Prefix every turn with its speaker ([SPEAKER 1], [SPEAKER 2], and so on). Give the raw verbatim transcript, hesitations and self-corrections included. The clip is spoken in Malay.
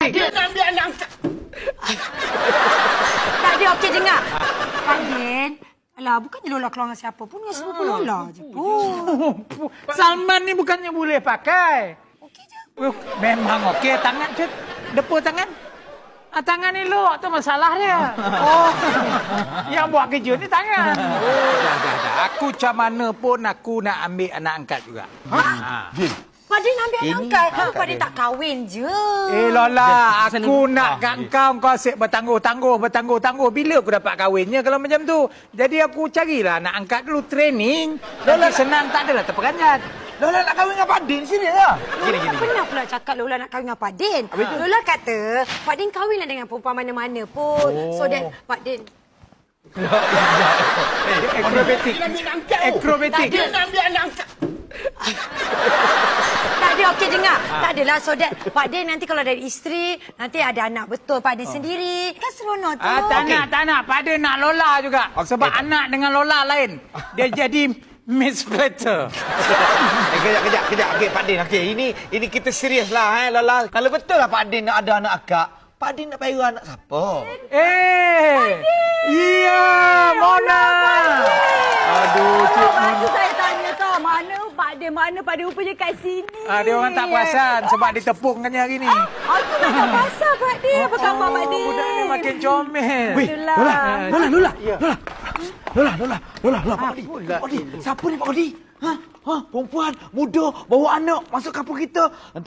[SPEAKER 1] Dia nak ambil anak angkat.
[SPEAKER 2] Tak ada, okey dengar. Pak Din, alah bukannya Lola keluar dengan siapa pun, dengan sepupu Lola je pun.
[SPEAKER 3] Salman ni bukannya boleh pakai.
[SPEAKER 2] Okey je.
[SPEAKER 3] Uh, memang okey. Tangan je. Depa tangan. Ah, tangan elok tu masalah dia. Oh. Yang buat kerja ni tangan. Oh. Dah, dah, dah. Aku macam mana pun aku nak ambil anak angkat juga. Ha?
[SPEAKER 1] Din.
[SPEAKER 2] Pak Din ambil anak angkat. Kenapa Pak Din tak kahwin je?
[SPEAKER 3] Eh Lola, aku nak kat kau, kau asyik bertangguh-tangguh, bertangguh-tangguh. Bila aku dapat kahwinnya kalau macam tu? Jadi aku carilah nak angkat dulu training. Lola senang, tak adalah terperanjat.
[SPEAKER 1] Lola nak kahwin dengan Pak Din sini lah.
[SPEAKER 2] Lola tak pernah pula cakap Lola nak kahwin dengan Pak Din. Lola kata, Pak Din kahwinlah dengan perempuan mana-mana pun. Oh. So that Pak Din...
[SPEAKER 3] Akrobatik.
[SPEAKER 1] Dia ambil angkat.
[SPEAKER 3] Akrobatik.
[SPEAKER 1] Dia nak ambil anak angkat.
[SPEAKER 2] Tak ada, okey dengar. Tak adalah, so that Pak Din nanti kalau ada isteri, nanti ada anak betul Pak Din sendiri. Kan seronok tu.
[SPEAKER 3] Ah, tak nak, tak nak. Pada nak Lola juga. Sebab anak dengan Lola lain. Dia jadi Miss Platter.
[SPEAKER 1] Eh, kejap, kejap, kejap. Okey, Pak Din. Okey, ini ini kita serius lah, eh, Lola. Kalau betul lah Pak Din nak ada anak akak, Pak Din nak payah anak siapa?
[SPEAKER 3] Eh! Iya, Mona. Aduh, Cik Mona.
[SPEAKER 4] Lepas tu saya tanya kau, mana Pak Din, mana Pak Din rupanya kat sini.
[SPEAKER 3] Ah, dia orang tak perasan sebab ditepungkannya hari ni.
[SPEAKER 4] Aku dah tak pasal Pak Din. Apa khabar Pak Din?
[SPEAKER 3] Budak ni makin comel.
[SPEAKER 1] Weh,
[SPEAKER 4] Itulah.
[SPEAKER 1] Lola, Lola, Lola,
[SPEAKER 3] Ya.
[SPEAKER 1] Lola. Lola, Lola, Lola, Lola, Pak Odi.
[SPEAKER 3] Apalah
[SPEAKER 1] Pak Odi, siapa ni Pak Odi? Ha? Ha, perempuan, muda, bawa anak masuk kampung kita.